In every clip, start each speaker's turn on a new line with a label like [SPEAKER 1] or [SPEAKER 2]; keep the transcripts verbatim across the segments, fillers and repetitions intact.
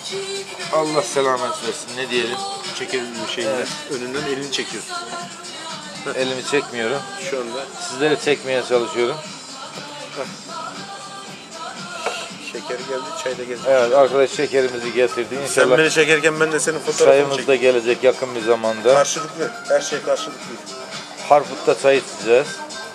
[SPEAKER 1] Allah selamet versin. Ne diyelim?
[SPEAKER 2] Çekelim bir şeyini. Evet. Önünden elini çekiyorsun.
[SPEAKER 1] Elimi çekmiyorum.
[SPEAKER 2] Şu anda.
[SPEAKER 1] Sizleri çekmeye çalışıyorum.
[SPEAKER 2] Heh. Şeker geldi, çay da geldi.
[SPEAKER 1] Evet, arkadaş şekerimizi getirdi. İnşallah.
[SPEAKER 2] Sen beni çekerken ben de senin fotoğrafını
[SPEAKER 1] çayımız da gelecek yakın bir zamanda.
[SPEAKER 2] Karşılıklı. Her şey karşılıklı.
[SPEAKER 1] Harput'ta çay içeceğiz.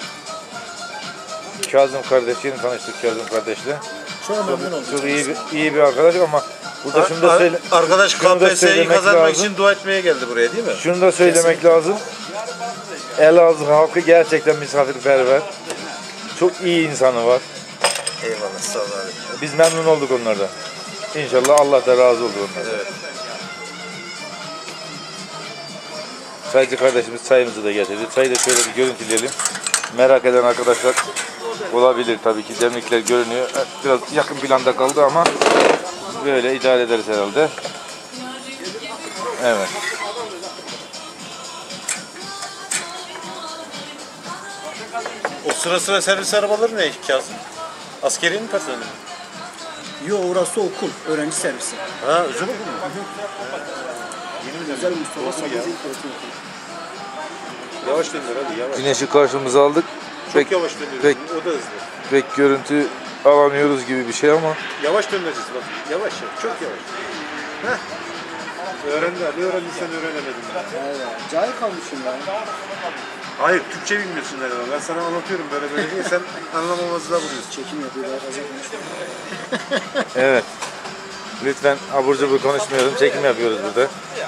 [SPEAKER 1] Kazım kardeş, yeni tanıştık Kazım kardeşle.
[SPEAKER 3] Çok memnun oldum.
[SPEAKER 1] Çok iyi bir, iyi bir arkadaş ama burada şunu da söyle.
[SPEAKER 2] Arkadaş K P S S'yi kazanmak lazım. için dua etmeye geldi buraya değil mi?
[SPEAKER 1] Şunu da söylemek Kesinlikle. lazım. Elazığ halkı gerçekten misafirperver. Çok iyi insanı var.
[SPEAKER 2] Eyvallah, sağ ol abi.
[SPEAKER 1] Biz memnun olduk onlardan. İnşallah Allah da razı olur onlardan.
[SPEAKER 2] Evet.
[SPEAKER 1] Çaycı kardeşimiz çayımızı da getirdi. Çayı da şöyle bir görüntüleyelim. Merak eden arkadaşlar olabilir tabii ki. Demlikler görünüyor. Biraz yakın planda kaldı ama böyle idare ederiz herhalde. Evet.
[SPEAKER 2] O sıra sıra servis arabaları ne Kazım? Askeriyenin personeli mi?
[SPEAKER 3] Yok, orası okul, öğrenci servisi.
[SPEAKER 2] Ha, özel okul mu?
[SPEAKER 3] Özel Mustafa Sabri Zeyt Öğretim Okulu.
[SPEAKER 2] Yavaş döndür hadi, yavaş.
[SPEAKER 1] Güneşi karşımıza aldık.
[SPEAKER 2] Çok
[SPEAKER 1] pek,
[SPEAKER 2] yavaş dönüyoruz.
[SPEAKER 1] Pek,
[SPEAKER 2] o da hızlı.
[SPEAKER 1] Pek görüntü alamıyoruz gibi bir şey ama.
[SPEAKER 2] Yavaş döneceğiz bak. Yavaş ya. Çok yavaş. Heh. Öğrendi abi. Öğrendiysen öğrenemedin.
[SPEAKER 3] Evet. Cahil kalmışım ben.
[SPEAKER 2] Hayır, Türkçe bilmiyorsun herhalde. Ben sana anlatıyorum böyle böyle diye sen anlamamazlığa vuruyorsun.
[SPEAKER 3] Çekim yapıyorlar, fazla konuşuyor.
[SPEAKER 1] Evet. Lütfen abur cubur konuşmayalım. Çekim yapıyoruz burada.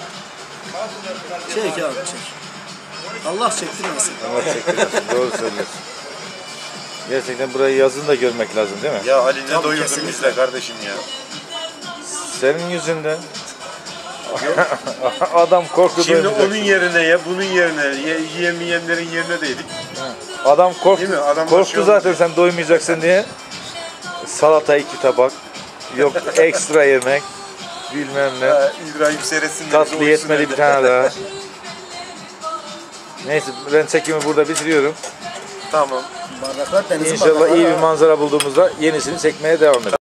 [SPEAKER 3] Çek abi, çek. Allah çektirmesin.
[SPEAKER 1] Allah çektirmesin. Doğru söylüyorsun. Gerçekten burayı yazın da görmek lazım değil mi?
[SPEAKER 2] Ya Ali ne doyurdun bizle kardeşim ya.
[SPEAKER 1] Senin yüzünden. Adam korktu.
[SPEAKER 2] Şimdi onun yerine ya bunun yerine ye, yiyemeyenlerin yerine de yedik.
[SPEAKER 1] Adam korktu.
[SPEAKER 2] Adam
[SPEAKER 1] korktu zaten sen doymayacaksın diye. Salata iki tabak. Yok ekstra yemek. Bilmem ne.
[SPEAKER 2] Ha, İbrahim seyretsin.
[SPEAKER 1] Tatlı yetmedi bir tane daha. Neyse ben çekimi burada bitiriyorum.
[SPEAKER 2] Tamam.
[SPEAKER 3] Bardaklar denizin
[SPEAKER 1] İnşallah
[SPEAKER 3] bardakları
[SPEAKER 1] iyi bir
[SPEAKER 3] var.
[SPEAKER 1] manzara bulduğumuzda yenisini çekmeye devam ederiz.